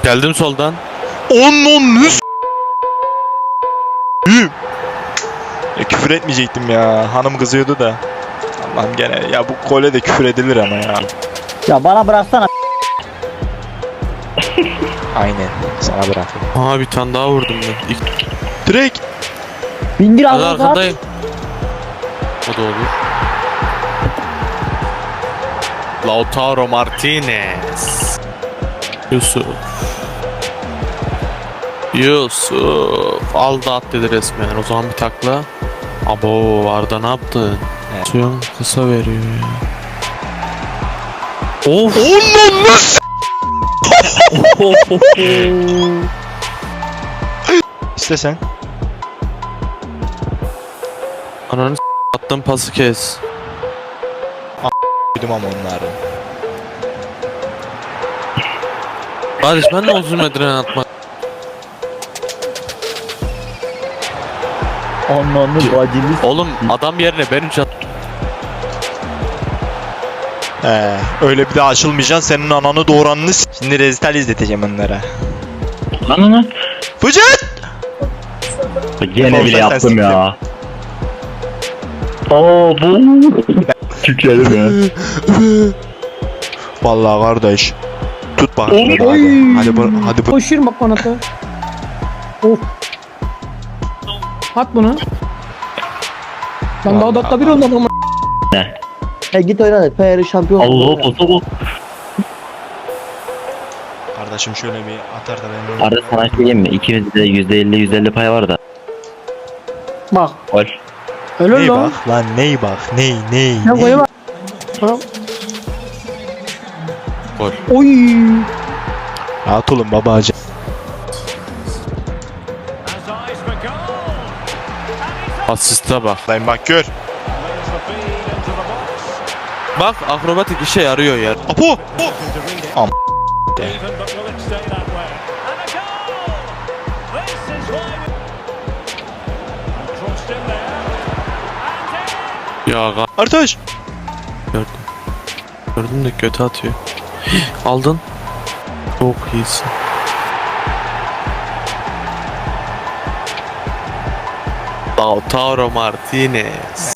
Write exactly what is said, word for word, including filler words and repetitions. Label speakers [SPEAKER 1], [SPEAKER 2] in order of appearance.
[SPEAKER 1] Geldim soldan.
[SPEAKER 2] Onun nüs. Ya küfür etmeyecektim ya. Hanım kızıyordu da. Allah'ım gene. Ya bu gole de küfür edilir ama ya.
[SPEAKER 3] Ya bana bıraksana.
[SPEAKER 2] Aynen. Sana bırak.
[SPEAKER 1] Aa bir tane daha vurdum ben. İlk
[SPEAKER 2] Direkt.
[SPEAKER 3] Bindir
[SPEAKER 1] ben
[SPEAKER 3] Allah'ım.
[SPEAKER 1] arkandayım. O da olur. Lautaro Martinez. Yusuf. Yusuf. Aldı at dedi resmen. O zaman bir takla. Abo Arda ne yaptın?
[SPEAKER 2] Evet.
[SPEAKER 1] Suyun kısa veriyor ya. Of.
[SPEAKER 2] Onun nüs. İste sen.
[SPEAKER 1] Ananı s*** attığım pası kes.
[SPEAKER 2] Duydum ama onları.
[SPEAKER 1] Kardeş ben de uzun medren atmak.
[SPEAKER 3] Ananı bacını.
[SPEAKER 1] Oğlum adam yerine ben üç at.
[SPEAKER 2] Ee, öyle bir daha açılmayacaksın. Senin ananı doğuranını s- Şimdi rezital izleteceğim onlara.
[SPEAKER 4] Lan lan.
[SPEAKER 2] Fıcıt!
[SPEAKER 4] Gene bile
[SPEAKER 2] Sen
[SPEAKER 4] yaptım
[SPEAKER 2] siktir.
[SPEAKER 4] ya. Aa bu. Tükledim ya.
[SPEAKER 2] Vallahi kardeş. Tut bak.
[SPEAKER 4] Oy.
[SPEAKER 2] Hadi hadi. Hadi bu, hadi bu.
[SPEAKER 5] Koşuyorum bak bana da. Of. At bunu. Ben daha
[SPEAKER 2] Vallahi
[SPEAKER 5] dakika bir olmadı ama.
[SPEAKER 3] E git oyna da P R şampiyon.
[SPEAKER 4] Allah posa bu.
[SPEAKER 2] Kardeşim şöyle bir atar da ben.
[SPEAKER 4] Arada sana şey diyeyim mi? İkimizde de yüzde elli yüzde elli pay var da.
[SPEAKER 5] Bak.
[SPEAKER 4] Gol.
[SPEAKER 5] Öyle
[SPEAKER 2] Ney
[SPEAKER 5] lan.
[SPEAKER 2] bak lan ney bak ney ney
[SPEAKER 5] Ne
[SPEAKER 2] ney.
[SPEAKER 5] koyu bak. Bak.
[SPEAKER 1] Gol.
[SPEAKER 5] Oy.
[SPEAKER 2] Rahat olun babacığım.
[SPEAKER 1] Asiste bak.
[SPEAKER 2] Lan bak gör.
[SPEAKER 1] Bak akrobatik işe yarıyor ya.
[SPEAKER 2] Apo. Am.
[SPEAKER 1] Ya ga-
[SPEAKER 2] Artaş.
[SPEAKER 1] gördüm. Gördüm de kötü atıyor. Aldın. Çok iyisin. Lautaro Martinez.